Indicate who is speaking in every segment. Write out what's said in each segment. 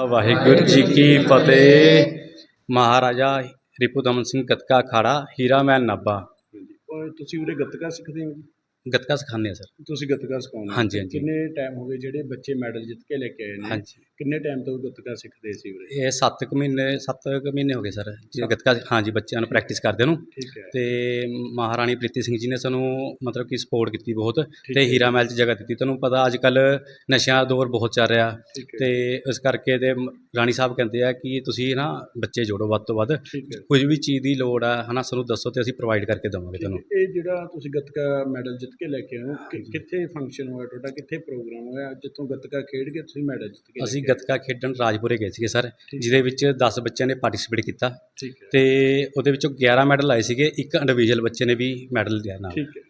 Speaker 1: ਵਾਹਿਗੁਰੂ ਜੀ ਕੀ ਫਤਿਹ। ਮਹਾਰਾਜਾ ਰਿਪੂ ਦਮਨ ਸਿੰਘ ਗੱਤਕਾ ਅਖਾੜਾ ਹੀਰਾ ਮਹਿਲ ਨਾਭਾ।
Speaker 2: ਔਰ ਤੁਸੀਂ ਉਰੇ ਗੱਤਕਾ ਸਿੱਖਦੇ ਹੋ ਜੀ?
Speaker 1: ਗੱਤਕਾ ਸਿਖਾਉਂਦੇ ਆ ਸਰ।
Speaker 2: ਤੁਸੀਂ ਗੱਤਕਾ ਸਿਖਾਉਂਦੇ ਹੋ?
Speaker 1: ਹਾਂਜੀ ਹਾਂਜੀ
Speaker 2: ਕਿੰਨੇ ਟਾਈਮ ਹੋ ਗਏ ਜਿਹੜੇ ਬੱਚੇ ਮੈਡਲ ਜਿੱਤ ਕੇ ਲੈ ਕੇ ਆਏ ਨੇ?
Speaker 1: ਹਾਂਜੀ।
Speaker 2: ਕਿੰਨੇ ਟਾਈਮ ਤੋਂ ਗੱਤਕਾ ਸਿੱਖਦੇ ਸੀ ਉਰੇ?
Speaker 1: ਇਹ 7 ਮਹੀਨੇ ਹੋ ਗਏ ਸਰ ਜੀ ਗੱਤਕਾ। ਹਾਂਜੀ, ਬੱਚਿਆਂ ਨੂੰ ਪ੍ਰੈਕਟਿਸ ਕਰਦੇ ਨੂੰ।
Speaker 2: ਠੀਕ ਹੈ।
Speaker 1: ਤੇ ਮਹਾਰਾਣੀ ਪ੍ਰੀਤੀ ਸਿੰਘ ਜੀ ਨੇ ਸਾਨੂੰ ਮਤਲਬ ਕਿ ਸਪੋਰਟ ਕੀਤੀ ਬਹੁਤ,
Speaker 2: ਠੀਕ
Speaker 1: ਤੇ
Speaker 2: ਹੈ।
Speaker 1: ਹੀਰਾ ਮਹਿਲ 'ਚ ਜਗ੍ਹਾ ਦਿੱਤੀ। ਤੁਹਾਨੂੰ ਪਤਾ ਅੱਜ ਕੱਲ੍ਹ ਨਸ਼ਿਆਂ ਦਾ ਦੌਰ ਬਹੁਤ ਚੱਲ ਰਿਹਾ,
Speaker 2: ਠੀਕ ਹੈ।
Speaker 1: ਤੇ ਇਸ ਕਰਕੇ ਤੇ ਰਾਣੀ ਸਾਹਿਬ ਕਹਿੰਦੇ ਆ ਕਿ ਤੁਸੀਂ ਨਾ ਬੱਚੇ ਜੋੜੋ ਵੱਧ ਤੋਂ ਵੱਧ।
Speaker 2: ਠੀਕ ਹੈ।
Speaker 1: ਕੁਝ ਵੀ ਚੀਜ਼ ਦੀ ਲੋੜ ਆ ਹੈ ਨਾ, ਸਾਨੂੰ ਦੱਸੋ ਤੇ ਅਸੀਂ ਪ੍ਰੋਵਾਈਡ ਕਰਕੇ ਦੇਵਾਂਗੇ ਤੁਹਾਨੂੰ।
Speaker 2: ਇਹ ਜਿਹੜਾ ਤੁਸੀਂ ਗੱਤਕਾ ਮੈਡਲ ਜਿੱਤ ਕੇ ਲੈ ਕੇ ਆਏ ਹੋ, ਕਿੱਥੇ ਫੰਕਸ਼ਨ ਹੋਇਆ ਤੁਹਾਡਾ? ਕਿੱਥੇ ਪ੍ਰੋਗਰਾਮ ਹੋਇਆ ਜਿੱਥੋਂ ਗੱਤਕਾ ਖੇਡ ਕੇ ਤੁਸੀਂ ਮੈਡਲ ਜਿੱਤ ਕੇ ਲੈ
Speaker 1: ਅਸੀਂ
Speaker 2: ਕੇ ਆਏ?
Speaker 1: ਗੱਤਕਾ ਖੇਡਣ ਰਾਜਪੁਰੇ ਗਏ ਸੀਗੇ ਸਰ,
Speaker 2: ਠੀਕ।
Speaker 1: ਜਿਹਦੇ ਵਿੱਚ 10 ਬੱਚਿਆਂ ਨੇ ਪਾਰਟੀਸਪੇਟ ਕੀਤਾ,
Speaker 2: ਠੀਕ ਹੈ।
Speaker 1: ਤੇ ਉਹਦੇ ਵਿੱਚੋਂ 11 ਮੈਡਲ ਆਏ ਸੀਗੇ। ਇੱਕ ਇੰਡੀਵਿਜੂਅਲ ਬੱਚੇ ਨੇ ਵੀ ਮੈਡਲ ਲਿਆ ਨਾਲ।
Speaker 2: ਠੀਕ ਹੈ।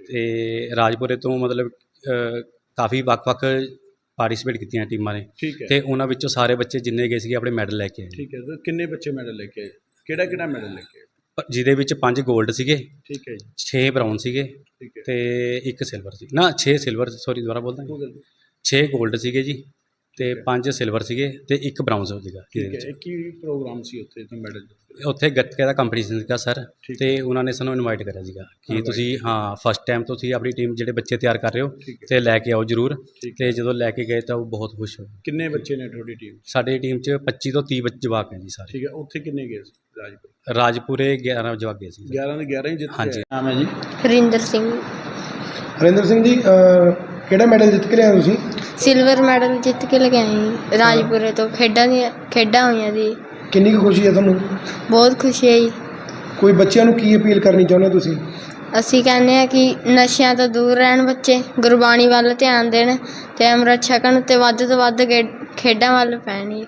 Speaker 1: ਤੇ ਰਾਜਪੁਰੇ ਤੋਂ ਮਤਲਬ ਕਾਫੀ ਵੱਖ-ਵੱਖ ਪਾਰਟੀਸਪੇਟ ਕੀਤੀਆਂ ਟੀਮਾਂ ਨੇ,
Speaker 2: ਠੀਕ ਹੈ।
Speaker 1: ਤੇ ਉਹਨਾਂ ਵਿੱਚੋਂ ਸਾਰੇ ਬੱਚੇ ਜਿੰਨੇ ਗਏ ਸੀਗੇ ਆਪਣੇ ਮੈਡਲ ਲੈ ਕੇ ਆਏ।
Speaker 2: ਠੀਕ ਹੈ। ਤਾਂ ਕਿੰਨੇ ਬੱਚੇ ਮੈਡਲ ਲੈ ਕੇ ਆਏ? ਕਿਹੜਾ ਮੈਡਲ ਲੈ ਕੇ ਆਏ?
Speaker 1: ਜਿਹਦੇ ਵਿੱਚ 5 골ਡ ਸੀਗੇ,
Speaker 2: ਠੀਕ ਹੈ ਜੀ।
Speaker 1: 6 ਬਰਾਊਨ ਸੀਗੇ,
Speaker 2: ਠੀਕ ਹੈ।
Speaker 1: ਤੇ 1 ਸਿਲਵਰ ਸੀ ਨਾ 6 ਸਿਲਵਰ, ਸੌਰੀ ਦੁਬਾਰਾ ਬੋਲਦਾ,
Speaker 2: ਕੋਈ ਗੱਲ ਨਹੀਂ।
Speaker 1: 6 골ਡ ਸੀਗੇ ਜੀ, ਤੇ
Speaker 2: ਠੀਕ ਹੈ।
Speaker 1: 5 ਸਿਲਵਰ ਸੀਗੇ, ਤੇ 1 ਬਰਾਊਨ ਸੀਗਾ ਜਿਹਦੇ
Speaker 2: ਠੀਕ
Speaker 1: ਵਿੱਚ।
Speaker 2: ਹੈ। ਕੀ ਪ੍ਰੋਗਰਾਮ ਸੀ ਉੱਥੇ ਤੋਂ ਮੈਡਲ?
Speaker 1: ਉੱਥੇ ਗੱਤਕੇ ਦਾ ਕੰਪੀਟੀਸ਼ਨ ਸੀਗਾ ਸਰ,
Speaker 2: ਠੀਕ
Speaker 1: ਤੇ ਉਹਨਾਂ ਨੇ ਸਾਨੂੰ ਇਨਵਾਈਟ ਕਰਿਆ ਸੀਗਾ ਕਿ
Speaker 2: Invite
Speaker 1: ਤੁਸੀਂ ਫਸਟ ਟਾਈਮ ਤੁਸੀਂ ਆਪਣੀ ਟੀਮ ਜਿਹੜੇ ਬੱਚੇ ਤਿਆਰ ਕਰ ਰਹੇ ਹੋ
Speaker 2: ਠੀਕ ਹੈ।
Speaker 1: ਤੇ ਲੈ ਕੇ ਆਓ ਜ਼ਰੂਰ।
Speaker 2: ਠੀਕ
Speaker 1: ਤੇ ਜਦੋਂ ਲੈ ਕੇ ਗਏ ਤਾਂ ਉਹ ਬਹੁਤ ਖੁਸ਼ ਹੋਏ।
Speaker 2: ਕਿੰਨੇ ਬੱਚੇ ਨੇ ਤੁਹਾਡੀ ਟੀਮ?
Speaker 1: ਸਾਡੀ ਟੀਮ 'ਚ 25 ਤੋਂ 30 ਜਵਾਕ ਹੈ ਜੀ ਸਾਰੇ।
Speaker 2: ਠੀਕ ਹੈ। ਉੱਥੇ ਕਿੰਨੇ ਗਏ ਸੀ ਰਾਜਪੁਰ?
Speaker 1: ਰਾਜਪੁਰੇ 11 ਜਵਾਕ ਗਏ ਸੀ।
Speaker 2: 11 ਦੇ 11 ਹੀ ਜਿੱਤ
Speaker 1: ਹਾਂਜੀ।
Speaker 2: ਗਏ। ਨਾਮ ਹੈ ਜੀ?
Speaker 3: ਹਰਿੰਦਰ ਸਿੰਘ।
Speaker 4: ਹਰਿੰਦਰ ਸਿੰਘ ਜੀ, ਕਿਹੜਾ ਮੈਡਲ ਜਿੱਤ ਕੇ ਲਿਆਏ ਤੁਸੀਂ?
Speaker 3: ਸਿਲਵਰ ਮੈਡਲ ਜਿੱਤ ਕੇ ਲੈ ਕੇ ਆਏ ਜੀ ਰਾਜਪੁਰੇ ਤੋਂ। ਖੇਡਾਂ ਹੋਈਆਂ ਜੀ।
Speaker 4: ਕਿੰਨੀ ਕੁ ਖੁਸ਼ੀ ਹੈ ਤੁਹਾਨੂੰ?
Speaker 3: ਬਹੁਤ ਖੁਸ਼ੀ ਹੈ ਜੀ।
Speaker 4: ਕੋਈ ਬੱਚਿਆਂ ਨੂੰ ਕੀ ਅਪੀਲ ਕਰਨੀ ਚਾਹੁੰਦੇ ਹੋ ਤੁਸੀਂ?
Speaker 3: ਅਸੀਂ ਕਹਿੰਦੇ ਹਾਂ ਕਿ ਨਸ਼ਿਆਂ ਤੋਂ ਦੂਰ ਰਹਿਣ ਬੱਚੇ, ਗੁਰਬਾਣੀ ਵੱਲ ਧਿਆਨ ਦੇਣ, ਤੇ ਅੰਮ੍ਰਿਤ ਛਕਣ, ਤੇ ਵੱਧ ਤੋਂ ਵੱਧ ਖੇਡਾਂ ਵੱਲ ਪੈਣ ਜੀ।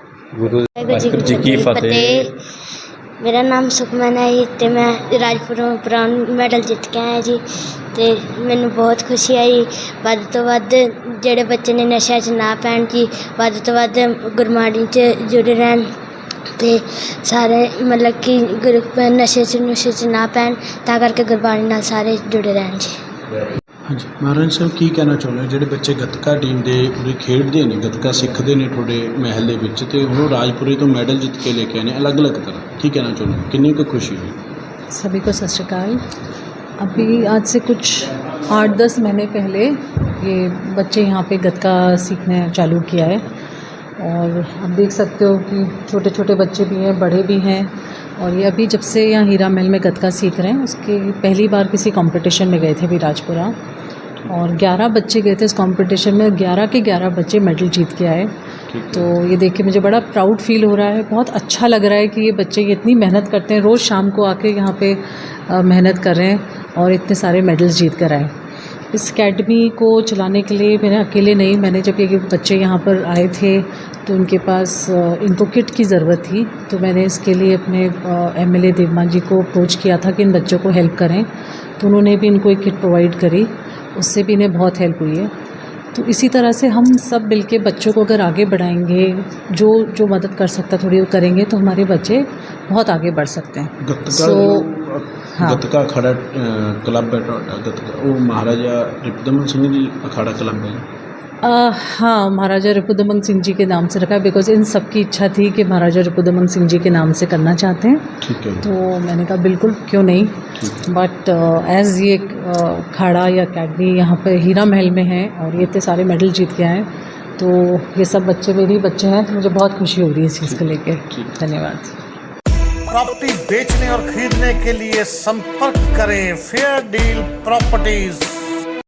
Speaker 1: ਵਾਹਿਗੁਰੂ ਜੀ ਕੀ ਫਤਿਹ।
Speaker 5: ਮੇਰਾ ਨਾਮ ਸੁਖਮਨ ਹੈ ਜੀ, ਅਤੇ ਮੈਂ ਰਾਜਪੁਰੋਂ ਬ੍ਰਾਊਨ ਮੈਡਲ ਜਿੱਤ ਕੇ ਆਇਆ ਜੀ, ਅਤੇ ਮੈਨੂੰ ਬਹੁਤ ਖੁਸ਼ੀ ਆਈ। ਵੱਧ ਤੋਂ ਵੱਧ ਜਿਹੜੇ ਬੱਚੇ ਨੇ ਨਸ਼ਿਆਂ 'ਚ ਨਾ ਪੈਣ ਜੀ, ਵੱਧ ਤੋਂ ਵੱਧ ਗੁਰਬਾਣੀ 'ਚ ਜੁੜੇ ਰਹਿਣ, ਅਤੇ ਸਾਰੇ ਮਤਲਬ ਕਿ ਨਸ਼ੇ 'ਚ ਨਾ ਪੈਣ, ਤਾਂ ਕਰਕੇ ਗੁਰਬਾਣੀ ਨਾਲ ਸਾਰੇ ਜੁੜੇ ਰਹਿਣ ਜੀ।
Speaker 2: ਹਾਂਜੀ ਮਹਾਰਾਜ ਸਾਹਿਬ, ਕੀ ਕਹਿਣਾ ਚਾਹੁੰਦੇ ਹੋ ਜਿਹੜੇ ਬੱਚੇ ਗੱਤਕਾ ਟੀਮ ਦੇ ਉਰੇ ਖੇਡਦੇ ਨੇ, ਗੱਤਕਾ ਸਿੱਖਦੇ ਨੇ ਤੁਹਾਡੇ ਮਹਿਲ ਦੇ ਵਿੱਚ, ਅਤੇ ਉਹ ਰਾਜਪੁਰੇ ਤੋਂ ਮੈਡਲ ਜਿੱਤ ਕੇ ਲੈ ਕੇ ਆਏ ਨੇ ਅਲੱਗ-ਅਲੱਗ ਤਰ੍ਹਾਂ, ਕੀ ਕਹਿਣਾ ਚਾਹੁੰਦੇ ਹੋ? कितनी को खुशी हुई?
Speaker 6: सभी को सत श्री अकाल। अभी आज से कुछ 8-10 महीने पहले ये बच्चे यहाँ पे गतका सीखने चालू किया है, और आप देख सकते हो कि छोटे छोटे बच्चे भी हैं, बड़े भी हैं, और ये अभी जब से यहाँ हीरा महल में गतका सीख रहे हैं, उसके पहली बार किसी कंपटीशन में गए थे अभी राजपुरा, और 11 बच्चे गए थे इस कंपटीशन में। 11 के 11 बच्चे मेडल जीत के आए। तो ये देख के मुझे बड़ा प्राउड फील हो रहा है, बहुत अच्छा लग रहा है कि ये बच्चे ये इतनी मेहनत करते हैं, रोज़ शाम को आके यहाँ पे मेहनत कर रहे हैं और इतने सारे मेडल्स जीत कर आए। इस एकेडमी को चलाने के लिए मैंने अकेले नहीं, मैंने जब ये बच्चे यहाँ पर आए थे तो उनके पास इनको किट की ज़रूरत थी, तो मैंने इसके लिए अपने MLA देवमान जी को अप्रोच किया था कि इन बच्चों को हेल्प करें, तो उन्होंने भी इनको एक किट प्रोवाइड करी, उससे भी इन्हें बहुत हेल्प हुई है। तो इसी तरह से हम सब मिल के बच्चों को अगर आगे बढ़ाएंगे, जो मदद कर सकता थोड़ी वो करेंगे, तो हमारे बच्चे बहुत आगे बढ़ सकते हैं।
Speaker 2: गतका अखाड़ा क्लब है गतका, वो महाराजा रिपुदमन सिंह जी अखाड़ा क्लब है?
Speaker 6: हाँ, महाराजा रिपुदमन सिंह जी के नाम से रखा है, बिकॉज इन सब की इच्छा थी कि महाराजा रिपुदमन सिंह जी के नाम से करना चाहते हैं।
Speaker 2: ठीक है।
Speaker 6: तो मैंने कहा बिल्कुल क्यों नहीं, बट एज़ ये अखाड़ा या अकेडमी यहाँ पर हीरा महल में है और ये इतने सारे मेडल जीत के आए, तो ये सब बच्चे मेरे ही बच्चे हैं, तो मुझे बहुत खुशी हो रही है इस चीज़ को लेकर। धन्यवाद।
Speaker 7: प्रॉपर्टी बेचने और खरीदने के लिए संपर्क करें फेयर डील प्रॉपर्टीज।